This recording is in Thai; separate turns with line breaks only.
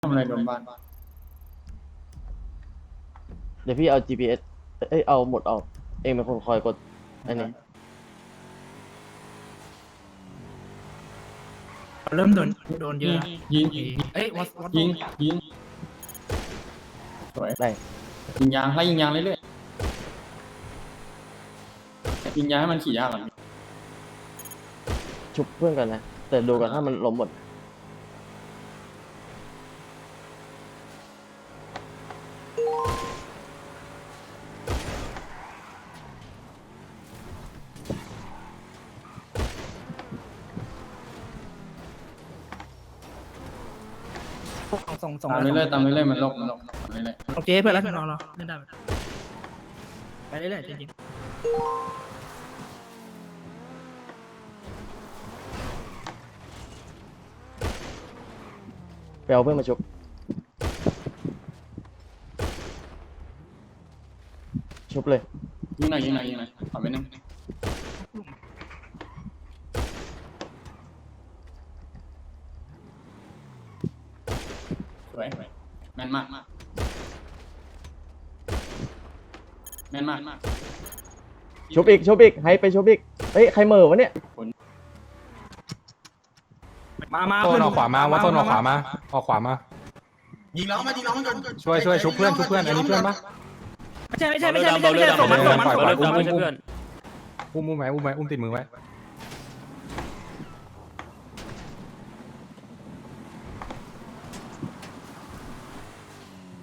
ทำอะไรโดนบ้าน
เดี๋ยวพี่เอา GPS เอาหมดออกเองเป็นคนคอยกดอันนี้
เริ่มโดนเยอะ
ยิง
เอ้ยวัด
ยิงสวย
ได้
ยิงยางไล่ยิงยางเรื่อยๆยิงยางให้มันขี่ยากก่อน
ชุบเพื่อนกันนะ แต่ดูกันถ้ามันล้มหมด
ส่ง
ตามเรื่อยๆตามเรื่อยๆมันลงตามเรื่อย
โอเคเพื่อนแล้วเพื่อนรอเล่นได้ไปเรื่อยๆจริง
ไปเอาเพื่อนมาชุบชุบเลย
ๆยิงหน่อยขอไปนึงสวยแม่นมากแม่นมาก
ชุบอีกให้ไปชุบอีกเฮ้ยใครเหม่อวะเนี่ย
มา
โซนออกขวามาว่าโซนออกขวามาออกขวามา
ยิงล้อมันก่อน
ช่วยชุบเพื่อนอันนี้เพื่อนปะ
ไม่ใช่ส่งมัน
ปล่อย
ส่ง
อุ้มไว้อุ้มติดมือไว้